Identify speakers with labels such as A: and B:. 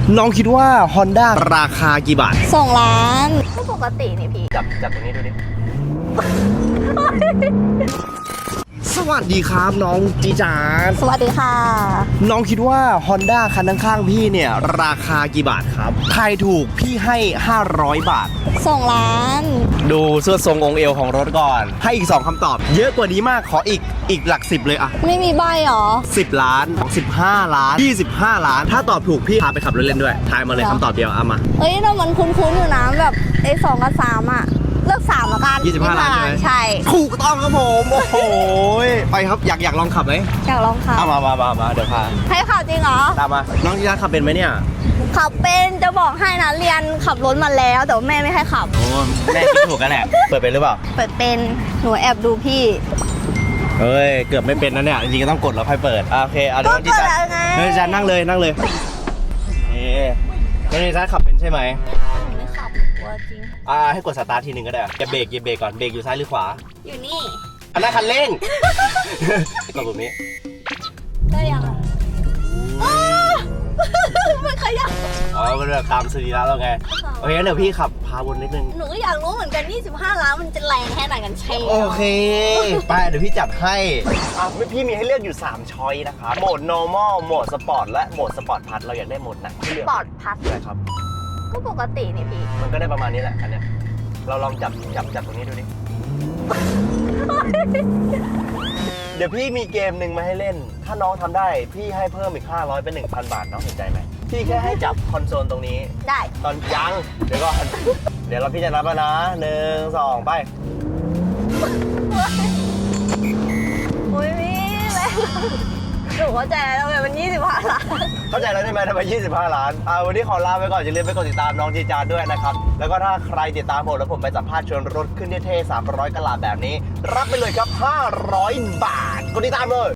A: น้องคิดว่า Honda ราคากี่บาท
B: 2 ล้านก็ปกตินี่พี่
A: จับตรงนี้ดูดิ สวัสดีครับน้องจีจาน
B: สวัสดีค่ะ
A: น้องคิดว่า Honda คันข้างๆพี่เนี่ยราคากี่บาทครับทายถูกพี่ให้500 บาท
B: 2 ล้าน
A: ดูเสื้อทรงองค์เอวของรถก่อน ให้อีก 2คำตอบ เยอะกว่านี้มากขออีกหลัก10เลยอะ
B: ไม่มีใบหรอ
A: 10 ล้าน15 ล้าน25 ล้าน ถ้าตอบถูกพี่พาไปขับรถเล่นด้วยทายมาเลยคำตอบเดียวเอามา
B: เอ้ยแต่มันคุ้นๆอยู่นะแบบไอ้2กับ3อ่ะ เลือก3ละกัน
A: 25 ล้านใช่ไหม
B: ใช่
A: ถูกต้องครับผมโอ้โหไปครับอยากลองขับไหม
B: อยากลองขับ
A: เอามาเดี๋ยวพา
B: ให้ขับจริงเหรอ
A: ตามมาน้องจีจานขับเป็นไหมเนี่ย
B: ขับเป็นจะบอกให้นะเรียนขับรถมาแล้วแต่ว่าแม่ไม่ให้ขับ
A: โอ้แม่คิดถูกกันแหละเปิดเป็นหรือเปล่า
B: เปิดเป็นหนูแอบดูพี่
A: เฮ้ยเกือบไม่เป็นนะเนี่ยจริงๆก็ต้องกดแล้วค่อยเปิดโอเคเอาเดี๋ยวน้องจีจาน
B: ก็เปิดแล้วไง
A: น้องจีจานนั่งเลยเอ๊น้องจีจานขับเป็นใช่ไหม
B: หนูไม่ขับกลัวจริง
A: ให้กดสตาร์ททีหนึ่งก็ได้อย่าเบรกก่อนเบรกอยู่ซ้ายหรือขวา
B: อยู่นี่
A: อันนั้นคันเร่ง กดปุ่มนี้
B: ได้ยังอ่ะอ้าวมันขยับ
A: อ๋อมันแบบตามสรีระเราไงโอเคงั้นเดี๋ยวพี่ขับพาวนนิดนึง
B: หนูก็อยากรู้เหมือนกัน25 ล้านมันจะแรงแค่ไหนกันใช่
A: โอเคไปเดี๋ยวพี่จัดให้พี่มีให้เลือกอยู่3ช้อยนะครับโหมด normal โหมด sport และโหมด sport plus เราอยากได้โหมดไหนให้เลือก
B: ปอดพัด
A: ใช่ครับ
B: ก็ปกตินี่พี่
A: มันก็ได้ประมาณนี้แหละคันเนี้ยเราลองจับตรงนี้ดูดิ เดี๋ยวพี่มีเกมหนึ่งมาให้เล่น ถ้าน้องทำได้พี่ให้เพิ่มอีก500เป็น 1,000 บาทน้องสนใจไหมพี่แค่ให้จับคอนโซลตรงนี้
B: ได้
A: ตอนยังเดี๋ยวก่อน เดี๋ยวพี่จะนับแล้วนะ1 2ไป
B: อุ้ยพี่แรงหนูเข้าใจแล้วทำไมมัน25 ล้าน
A: เข้าใจแล้วใช่ไหมทำไม25 ล้านวันนี้ขอลาไปก่อนอย่าลืมไปกดติดตามน้องจีจานด้วยนะครับแล้วก็ถ้าใครติดตามผมแล้วผมไปสัมภาษณ์ชวนรถขึ้นเท่ๆ300 กะลาแบบนี้ รับไปเลยครับ500 บาทกดติดตามเลย